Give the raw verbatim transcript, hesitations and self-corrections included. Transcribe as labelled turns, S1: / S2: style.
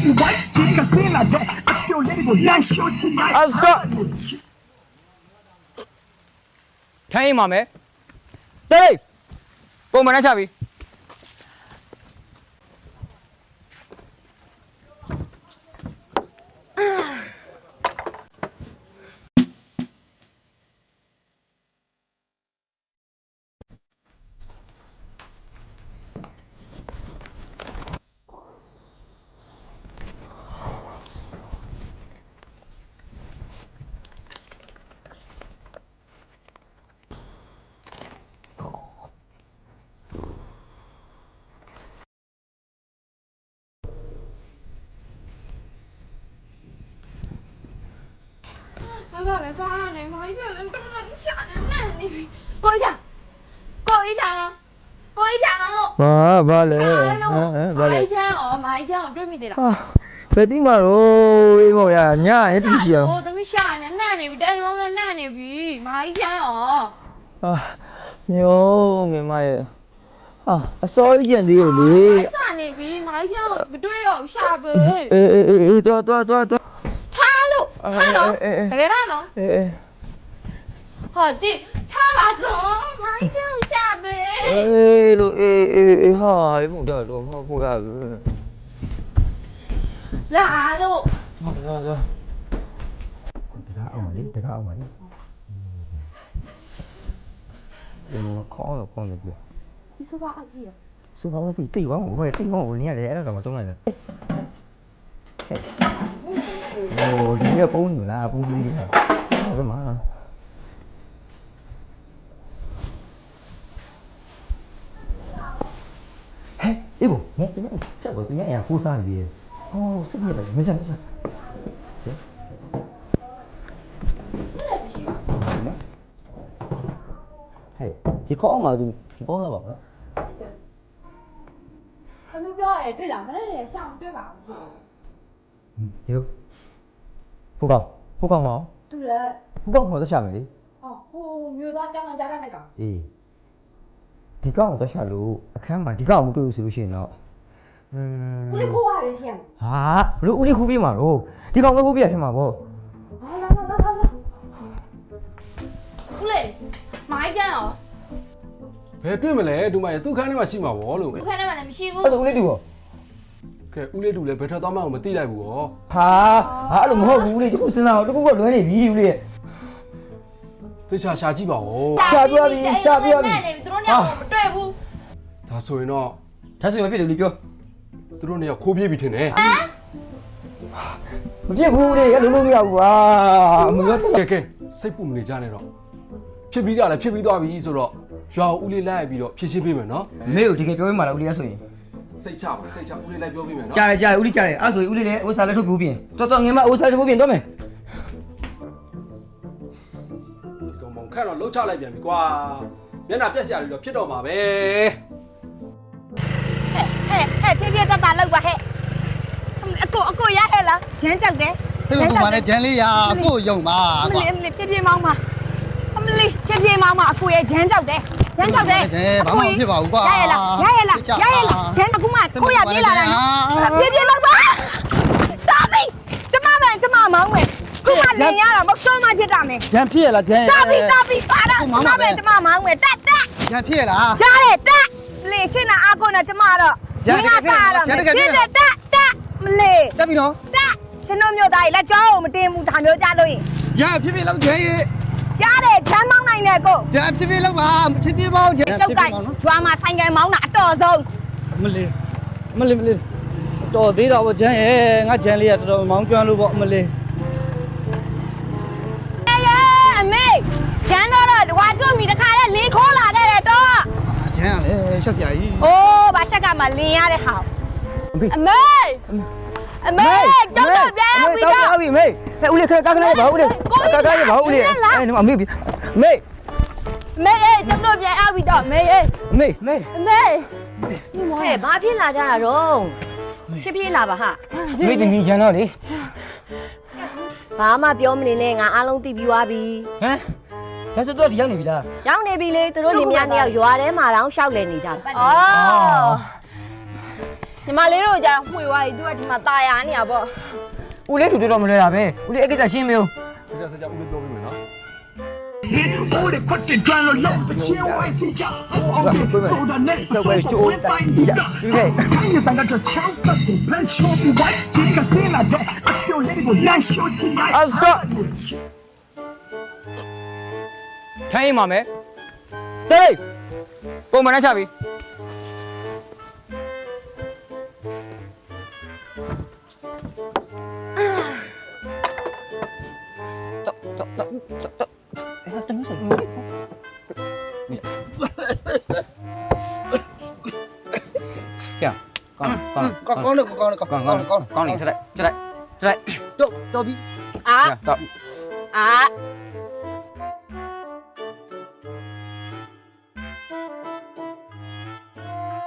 S1: ထိုင်းမှာမယ်တေးပုံမှန်နဲ့ချပြီ
S2: ဘာကလဲစားနေမိုင်းပြန်တော့ရှာနေနေပြီကိုကြီးကိုကြီးတာကိုကြီးတာလို့
S1: ဘာဘာလဲဟမ်ဘာလဲ
S2: မိုင်းချမ်းอ๋อမိုင်းချမ်းကိုတွေ့မိသေးလား
S1: ဟာဘယ်တိမှာတော့အေးမော်ရညအဲ့တိရှိအောင်
S2: ဟိုသမီးရှာနေနှံ့နေပြီတိုင်လုံးနဲ့နှံ့နေပြီမိုင်းချမ်းอ๋อ
S1: ဟာမျိုးငယ်မရဲ့ဟာအစောကြီးကျန်သေးတယ်လေ
S2: ရှာနေပြီမိုင်းချမ်းကိုမတွေ့တော့ရှာပဲ
S1: အေးအေးအေးတော်တော်တော်တော်
S2: ထားလို့ထားလို့တကယ်တော့နော်
S1: အေးအေး
S2: ဟောကြည့်ထားပါစို့မိုင်းချမ်းရှာပဲ
S1: အေးလို့အေးအေးအေးဟာဘယ်မို့တော့တော့ဟောဖို့ရဘူး
S2: လာလို့
S1: ဟုတ်တယ်ဟုတ်တယ်တကားအောင်လေတကားအောင်လေဒီလိုခေါင်းတော့ခေါင်းနေပြီ
S2: ဒီဆိုပါအကြီးရ
S1: စူပါမပြီတိတ်ဝမ်းဘယ်တိတ်ဝမ်းကိုနေရတယ်အဲ့ဒါမှသုံးလိုက်တယ်โอ้ဒီကပုံးလားပုံးကြီးကဟုတ်မှာဟဲ့အေးဘငါတင်နေချက်ကိုတင်ရအောင်ကိုးစားနေပြီဟောစိတ်ရပါမစမ်းမစမ်းဟဲ့ဒီခေါင်းမှာသူဘောလာပါမလား
S2: သမီးပြောရဲတွေ့လားမနေ့ကရှာမတွေ့ပါဘူး
S1: ဒီဖူကောင်ဖူကောင်မောင်
S2: တူတယ်
S1: ဖူကောင်မောင်သက်ရှာမယ်လေ
S2: ဟောဟိုမျိုးသားကြောင်းကြားတဲ့ကောင်
S1: အေးဒီကောင်သက်ရှာလို့အခန်းမှာဒီကောင်မတွေ့ဘူးဆိုလို့ရှိရင်တော့อืม
S2: ဦးလေးခိုးရတယ်ထင်
S1: ဟာဘလို့ဦးလေးခူးပေးမှာတော့ဒီကောင်ပဲခူးပေးရထင်မှာပေါ့
S2: ဟာလာလာလာလာဦးလေးမိုင်းကြရော
S3: ဘယ်တွေ့မလဲဒူမရဲ့သူ့ခန်းထဲမှာရှိမှာဗောလို့
S2: ဦးခန်းထဲမှာလည်းမရှိဘူး
S1: အဲ့ဒါဦးလေးတူရော
S3: ကဲဦးလေးတူလည်းဘယ်ထွက်သွားမှမသိလိုက်ဘူးဗော
S1: ဟာဟာအဲ့လိုမဟုတ်ဘူးဦးလေးတခုစဉ်းစားအောင်တခုကလွဲနေပြီဦးလေး
S3: သေချာရှာကြည့်ပါဦး
S1: ရှာပြပြီရှာပြပြီ
S2: နေပြီသူတို့ညမမတွေ့ဘူး
S3: ဒါဆိုရင်တော့
S1: ဒါဆိုရင်မဖြစ်တယ်ဦးလေးပြော
S3: သူတို့နေရာခိုးပြေးပြီထင်တယ်
S1: မဖြစ်ဘူးဦးလေးလုံးလုံးမရဘူးကွာမပြောတော့
S3: ကဲကဲစိတ်ပူမနေကြနဲ့တော့ဖြစ်ပြီးတာလည်းဖြစ်ပြီးသွားပြီဆိုတော့ရွာဦးလေးလိုက်ပြီးတော့ဖြည့်ရှင်းပေးမယ်နော်
S1: မေကိုတကယ်ပြောပြမှာလားဦးလေးကဆိုရင်
S3: စိတ်ချပါစိတ်ချဦးလေးလိုက်ပြောပေးမယ်နော်
S1: ကြားတယ်ကြားတယ်ဦးလေးကြားတယ်အဲ့ဆိုရင်ဦးလေးလည်းဥစားလက်ထုတ်ပြီးပြင်တော်တော်ငယ်မဥစားထုတ်ပြီးပြင်တော့မယ်
S3: ကောင်မောင်ခန့်တော့လှုပ်ချလိုက်ပြန်ပြီကွာမျက်နှာပြက်စရာတွေတော့ဖြစ်တော့မှာပဲ
S2: ဟဲ့ဟဲ့ဖြည်းဖြည်းတက်တာလောက်ပါဟဲ့အကိုအကိုရဟဲ့လားဂျမ်းကြောက်တယ်
S4: စိတ်မပူပါနဲ့ဂျန်လေးရာအကိုယုံပါ
S2: အမ
S4: ကွာ
S2: လေးအမလေးဖြည်းဖြည်းမောင်းပါအမလေးဖြည်းဖြည်းမောင်းပါအကိုရဲ့ဂျမ်းကြောက်တယ်ဂျမ်းကြောက်တယ်
S4: ဘာမှမဖြစ်ပါဘူးကွာ
S2: ရရလားရရလားရရလားဂျမ်းအခုမှကိုရပြေးလာတာနော်ဖြည်းဖြည်းလောက်ပါတာပြီကျမမကျမမောင်းမယ်ခုမှလင်ရတာမဆုံးမဖြစ်တာမယ်
S4: ဂျန်ဖြစ်ရလားဂျန်
S2: တာပြီတာပြီပါတာကျမပဲကျမမောင်းမယ်တက်တက်
S4: ဂျန်ဖြစ်ရလား
S2: ရတယ်တက်လေရှင်းတာအကုန်နဲ့ကျမတော့ဖြစ်တယ်တက်တက်မလေး
S4: တက်ပြီနော်
S2: တက်ရှင်တို့မျိုးသားကြီးလက်ကြောကိုမတင်ဘူးဒါမျိုးကြလို့ရင်
S4: ဂျန်ဖြစ်ဖြစ်လောက်ဂျန်ရေ
S2: ရတယ်ချမ်းမောင်းနိုင်တယ်ကို
S4: ဂျန်ဖြစ်ဖြစ်လောက်ပါဖြစ်ဖြစ်မောင်းဂျန်
S2: ကျုပ်ကကျွမ်းမှာဆိုင်ကယ်မောင်းတာအတော်ဆုံး
S4: မလေးမလေးမလေးတော်သေးတော့ဗောဂျန်ရေငါဂျန်လေးကတော်တော်မောင်းကျွမ်းလို့ဗောမလေး
S2: အေးအမေကျန်းတော့တော့ဝါကျွတ်မီတခါလဲလင်းခိုးလာခဲ့တယ်တော့
S4: ဂျန်ကလည်းရှက်စရာကြီး
S2: အိုးဘာချက်ကမှလင်းရတဲ့ဟာအမေအမေကျုပ်တို့ပြန်ပြီးတော့
S1: ပြီမေးဟဲ့ဦးလေးခက်ကားခဏပါဦးလေးကားကားရပါဦးလေးအဲ့ဒီမှာမေးပြီမေး
S2: မေအေးကျုပ်တို့ပြန်အောင်ပြီးတော့မေအေး
S1: မေးမေး
S2: အမေ
S5: ဟဲ့ဘာဖြစ်လာကြတာတော့ဖြည်းဖြည်းလာပါဟာ
S1: မေးတင်ကြီးချန်တော့လေ
S5: ဘာမှပြောမနေနဲ့ငါအားလုံးသိပြီးသွားပြီ
S1: ဟမ်ဒါဆိုတော့ဒီရောက်နေပြီလား
S5: ရောက်နေပြီလေသူတို့လင်မယားနှစ်ယောက်ရွာထဲမှာတောင်ရှောက်လည်နေကြတယ်
S2: အော်ညီမလေးတို့ကြာမှွေသွားပြီသူကဒီမှာตายရနေရပေါ့
S1: ဦးလေးတူတော်မလဲတာပဲဦးလေးအဲ့ကိစ္စရှင်းမလို့
S3: ဆက်ဆက်ဆက်ဦးလေးပြောပေးမယ်နော်
S6: 我的快点转了老的千万天价，我的走的那手不会摆你的。看你三个这枪的不喷球不歪，这个谁来的？有那个难受起来。
S1: 啊，stop ထိုင်းမှာမယ်ဟေးပုံမှန်နဲ့ချပြီတော့တော့တော့တော့အဲ့တမျိုးဆိုင်ရကောင်းကောင်း
S4: ကောင်းကောင်းကောင်းကောင်း
S1: ကောင်း
S4: ကော
S1: ကော
S4: င်း
S1: င်း
S4: ကောင်း
S1: ကောင်းနေထလိုက်ထလိုက်ထလိုက်
S4: တော့တော့ပြီ
S2: အာ
S1: တော့
S2: အာ